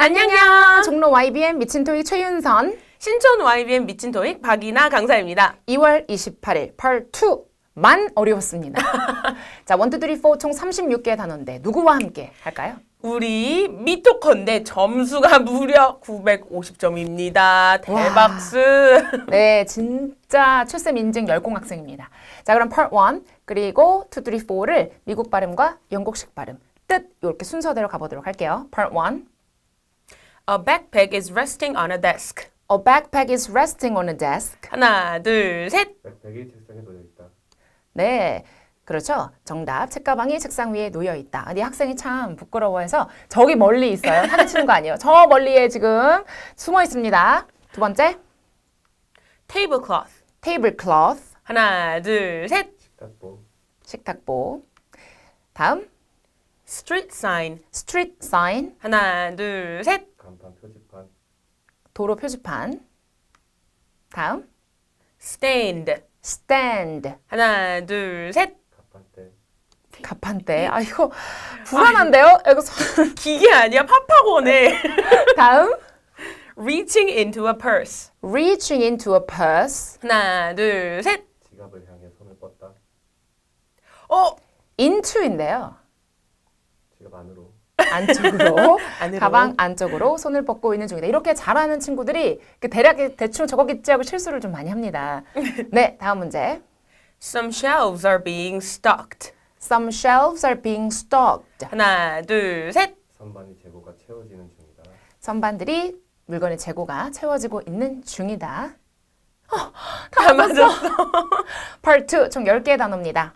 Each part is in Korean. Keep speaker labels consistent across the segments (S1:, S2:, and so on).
S1: 안녕요.
S2: 종로 YBN 미친 토익 최윤선.
S1: 신촌 YBN 미친 토익 박이나 강사입니다.
S2: 2월 28일 펄2만 어려웠습니다. 자, 1, 2, 3, 4 총 36개의 단어인데 누구와 함께 할까요?
S1: 우리 미토컨대 점수가 무려 950점입니다. 대박스.
S2: 네, 진짜 출생 인증 열공 학생입니다. 자, 그럼 펄1 그리고 2, 3, 4를 미국 발음과 영국식 발음 뜻 이렇게 순서대로 가보도록 할게요. 펄1
S1: A backpack is resting on a desk.
S2: A backpack is resting on a desk.
S1: 하나, 둘, 셋.
S3: 백팩이 책상에 놓여 있다.
S2: 네, 그렇죠. 정답. 책가방이 책상 위에 놓여 있다. 근데 학생이 참 부끄러워해서 저기 멀리 있어요. 사기치는 거 아니에요. 저 멀리에 지금 숨어 있습니다. 두 번째,
S1: Tablecloth.
S2: tablecloth,
S1: 하나, 둘, 셋.
S3: 식탁보,
S2: 식탁보. 다음,
S1: Street sign.
S2: street sign,
S1: 하나, 둘, 셋.
S3: 간판, 표지판,
S2: 도로 표지판. 다음,
S1: Stand.
S2: stand,
S1: 하나, 둘, 셋.
S3: 가판대,
S2: 가판대. 아, 이거 불안한데요? 이거
S1: 기계 아니야? 팝팝원에.
S2: 다음,
S1: Reaching into a purse.
S2: reaching into a purse,
S1: 하나, 둘, 셋.
S3: 지갑을 향해 손을 뻗다.
S2: into인데요.
S3: 지갑 안으로,
S2: 안쪽으로,
S1: 안으로.
S2: 가방 안쪽으로 손을 뻗고 있는 중이다. 이렇게 잘하는 친구들이 대략 대충 저거겠지 하고 실수를 좀 많이 합니다. 네, 다음 문제.
S1: Some shelves are being stocked.
S2: Some shelves are being stocked.
S1: 하나, 둘, 셋.
S3: 선반이 재고가 채워지는 중이다.
S2: 선반들이 물건의 재고가 채워지고 있는 중이다.
S1: 다 맞았어.
S2: Part 2, 총 10개의 단어입니다.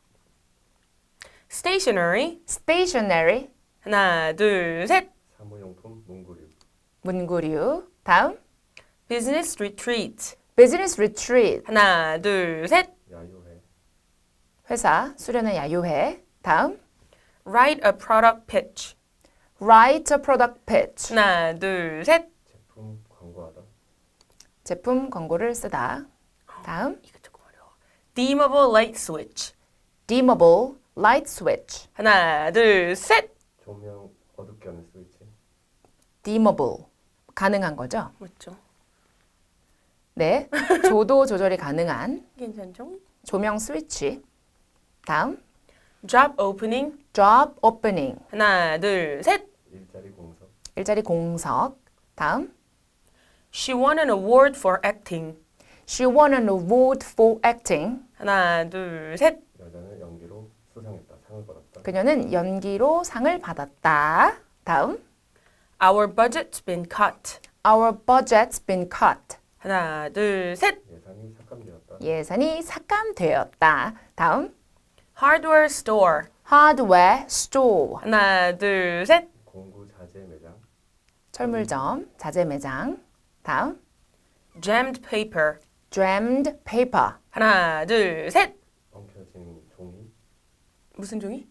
S1: Stationery.
S2: Stationery,
S1: 하나, 둘, 셋.
S3: 사무용품, 문구류,
S2: 문구류. 다음,
S1: Business retreat.
S2: Business retreat,
S1: 하나, 둘, 셋.
S3: 야유회,
S2: 회사 수련회 야유회. 다음,
S1: Write a product pitch.
S2: Write a product pitch,
S1: 하나, 둘, 셋.
S3: 제품 광고하다.
S2: 제품 광고를 쓰다. 다음,
S1: 이거 조금 어려워. Dimmable light switch.
S2: Dimmable light switch,
S1: 하나, 둘, 셋.
S3: 조명 어둡게 하는 스위치,
S2: dimmable, 가능한 거죠?
S1: 맞죠?
S2: 네, 조도 조절이 가능한
S1: 괜찮죠?
S2: 조명 스위치. 다음,
S1: Job opening.
S2: job opening,
S1: 하나, 둘, 셋.
S3: 일자리 공석,
S2: 일자리 공석. 다음,
S1: She won an award for acting.
S2: she won an award for acting.
S1: 하나, 둘, 셋.
S3: 여자는 연기로 수상했다. 상을 받았다.
S2: 그녀는 연기로 상을 받았다. 다음,
S1: Our budget's been cut.
S2: our budget's been cut.
S1: 하나, 둘, 셋.
S3: 예산이 삭감되었다.
S2: 예산이 삭감되었다. 다음,
S1: Hardware store.
S2: hardware store,
S1: 하나, 둘, 셋.
S3: 공구 자재 매장,
S2: 철물점, 자재 매장. 다음,
S1: Jammed paper.
S2: jammed paper,
S1: 하나, 둘, 셋.
S3: 엉켜진 종이,
S1: 무슨 종이?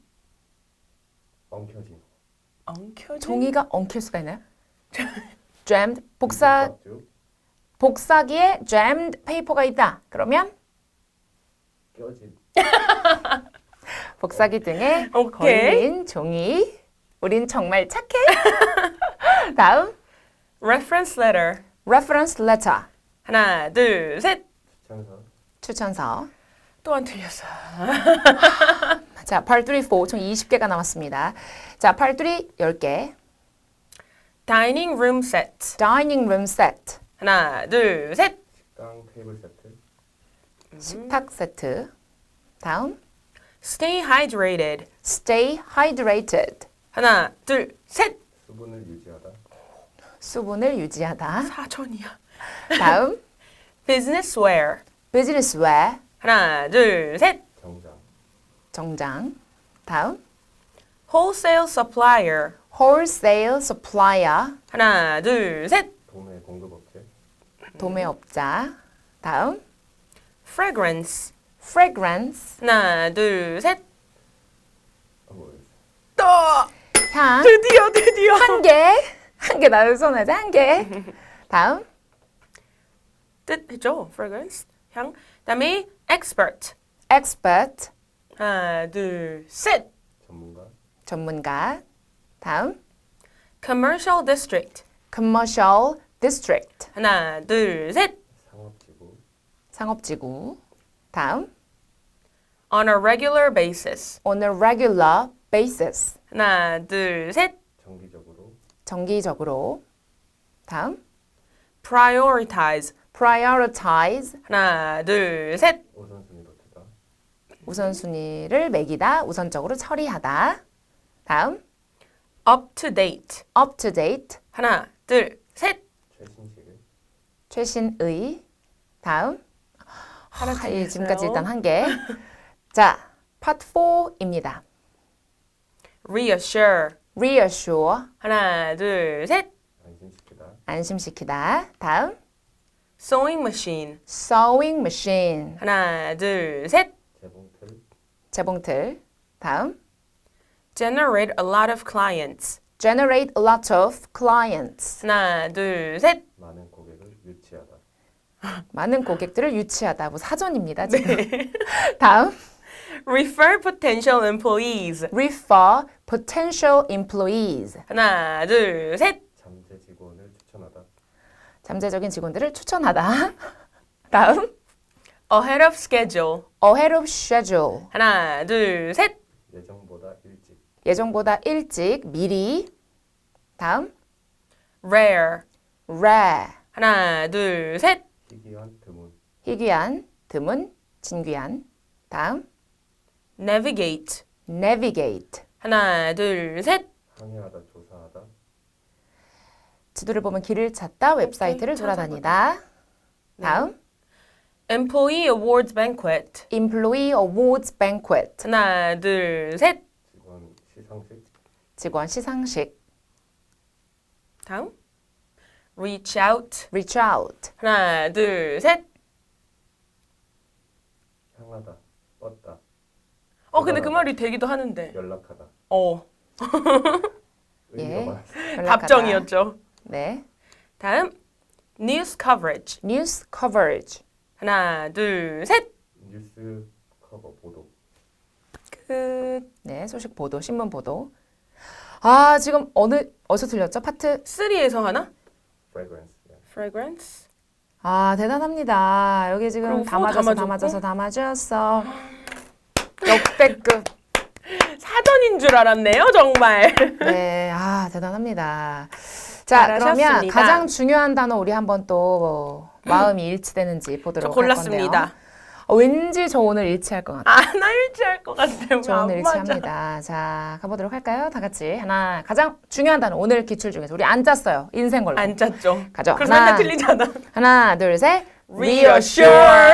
S3: 엉켜진
S1: 엉켜진?
S2: 종이가 엉킬 수가 있나요? jammed, 복사,
S3: 쭉
S2: 복사기에 jammed paper가 있다. 그러면
S3: 껴진
S2: 복사기 등에
S1: 오케이.
S2: 걸린 종이. 우린 정말 착해. 다음,
S1: Reference letter.
S2: reference letter,
S1: 하나, 둘, 셋.
S3: 추천서,
S2: 추천서.
S1: 또 안 틀렸어.
S2: 자, part 3, 4, 총 20개가 남았습니다. 자, part 3, 10개.
S1: Dining room set.
S2: dining room set,
S1: 하나, 둘, 셋.
S3: 식당 테이블 세트,
S2: 식탁 세트. 다음,
S1: Stay hydrated.
S2: stay hydrated,
S1: 하나, 둘, 셋.
S3: 수분을 유지하다.
S2: 수분을 유지하다.
S1: 사전이야.
S2: 다음,
S1: Business wear.
S2: business wear,
S1: 하나, 둘, 셋.
S3: 정장,
S2: 정장. 다음,
S1: Wholesale supplier.
S2: wholesale supplier,
S1: 하나, 둘, 셋.
S3: 도매 공급업체,
S2: 도매업자. 다음,
S1: Fragrance.
S2: fragrance,
S1: 하나, 둘, 셋.
S3: 뭐였어?
S1: 또
S2: 향.
S1: 드디어.
S2: 한 개 나를 손하자, 한 개. 다음,
S1: 뜻 했죠? Fragrance. 향. 그다음에 expert.
S2: expert,
S1: 하나, 둘, 셋.
S3: 전문가,
S2: 전문가. 다음,
S1: Commercial district.
S2: commercial district.
S1: 하나, 둘, 셋.
S3: 상업지구.
S2: 상업지구. 다음.
S1: On a regular basis.
S2: on a regular basis.
S1: 하나, 둘, 셋.
S3: 정기적으로.
S2: 정기적으로. 다음.
S1: Prioritize.
S2: prioritize.
S1: 하나, 둘, 셋.
S3: 우선순위로 두다.
S2: 우선순위를 매기다. 우선적으로 처리하다. 다음.
S1: Up to date.
S2: up to date.
S1: 하나, 둘, 셋.
S3: 최신식을.
S2: 최신의. 다음.
S1: 하나
S2: 지금까지 일단 한 개. 자, part 4입니다.
S1: Reassure.
S2: reassure.
S1: 하나, 둘, 셋.
S3: 안심시키다.
S2: 안심시키다. 다음.
S1: Sewing machine.
S2: sewing machine.
S1: 하나, 둘, 셋.
S3: 재봉틀.
S2: 재봉틀. 다음.
S1: Generate a lot of clients.
S2: generate a lot of clients.
S1: 하나, 둘, 셋.
S3: 많은 고객을 유치하다.
S2: 많은 고객들을 유치하다. 뭐 사전입니다, 지금. 다음.
S1: Refer potential employees.
S2: refer potential employees.
S1: 하나, 둘, 셋.
S3: 잠재 직원을 추천하다.
S2: 잠재적인 직원들을 추천하다. 다음.
S1: Ahead of schedule.
S2: ahead of schedule.
S1: 하나, 둘, 셋.
S3: 예정보다 일찍.
S2: 예정보다 일찍, 미리. 다음.
S1: Rare.
S2: rare.
S1: 하나, 둘, 셋.
S3: 희귀한 드문.
S2: 희귀한, 드문, 진귀한. 다음.
S1: Navigate.
S2: navigate.
S1: 하나, 둘, 셋.
S3: 항해하다. 조사하다.
S2: 지도를 보면 길을 찾다, 웹사이트를 돌아다니다. 다음.
S1: Employee awards banquet.
S2: employee awards banquet.
S1: 하나, 둘, 셋.
S3: 직원 시상식.
S2: 직원 시상식.
S1: 다음. Reach out.
S2: reach out.
S1: 하나, 둘, 셋.
S3: 향하다. 뻗다.
S1: 근데 그 말이 되기도 하는데.
S3: 연락하다.
S2: 예.
S3: 의미가 많았어요.
S1: 답정이었죠.
S2: 네.
S1: 다음. News coverage.
S2: news coverage.
S1: 하나, 둘, 셋.
S3: 뉴스 커버 보도.
S1: 끝.
S2: 네, 소식 보도, 신문 보도. 아, 지금 어디서 들렸죠? 파트.
S1: 3에서 하나?
S3: fragrance. 예.
S1: Fragrance.
S2: 아, 대단합니다. 여기 지금
S1: 그리고
S2: 다
S1: 다
S2: 맞았어, 다
S1: 맞았고?
S2: 맞았어, 다 맞았어. 역대급.
S1: 사전인 줄 알았네요, 정말.
S2: 네, 아, 대단합니다. 자, 그러면
S1: 잘하셨습니다.
S2: 가장 중요한 단어 우리 한번 또 마음이 일치되는지
S1: 저
S2: 보도록 할 건데요.
S1: 골랐습니다.
S2: 왠지 저 오늘 일치할 것 같아요.
S1: 나 일치할 것 같아요.
S2: 저 오늘 일치합니다. 자, 가보도록 할까요? 다 같이. 하나, 가장 중요한 단어 오늘 기출 중에서 우리 안 짰어요. 인생 걸로.
S1: 안 짰죠.
S2: 가죠.
S1: 그래서 맨날 틀리잖아.
S2: 하나, 둘, 셋.
S1: Reassure.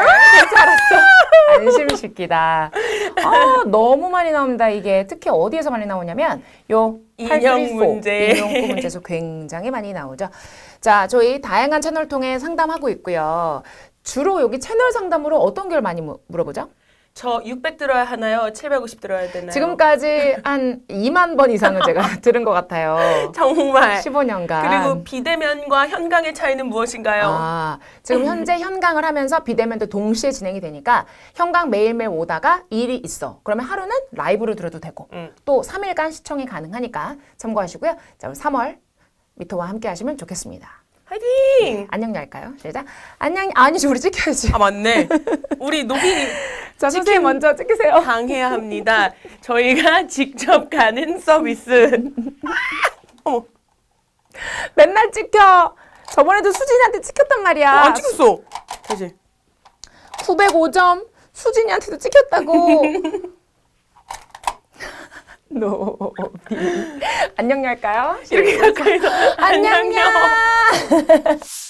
S2: 안심시키다. 아, 너무 많이 나옵니다. 이게 특히 어디에서 많이 나오냐면 요
S1: 인형
S2: 834,
S1: 문제.
S2: 인용구 문제에서 굉장히 많이 나오죠. 자, 저희 다양한 채널 통해 상담하고 있고요. 주로 여기 채널 상담으로 어떤 걸 많이 물어보죠?
S1: 저 600 들어야 하나요? 750 들어야 되나요?
S2: 지금까지 한 2만 번 이상은 제가 들은 것 같아요.
S1: 정말.
S2: 15년간.
S1: 그리고 비대면과 현강의 차이는 무엇인가요?
S2: 아, 지금 현재 현강을 하면서 비대면도 동시에 진행이 되니까 현강 매일매일 오다가 일이 있어. 그러면 하루는 라이브로 들어도 되고 또 3일간 시청이 가능하니까 참고하시고요. 자, 우리 3월 미토와 함께 하시면 좋겠습니다.
S1: 화이팅!
S2: 안녕 할까요? 시작. 안녕. 아니지, 우리 찍혀야지.
S1: 아 맞네. 우리 노비
S2: 자, 선생님 먼저 찍으세요.
S1: 당해야 합니다. 저희가 직접 가는 서비스. 어머,
S2: 맨날 찍혀. 저번에도 수진이한테 찍혔단 말이야.
S1: 안 찍었어. 다시.
S2: 905점 수진이한테도 찍혔다고. 노비. 안녕 할까요?
S1: 이렇게 가까이서
S2: 안녕요.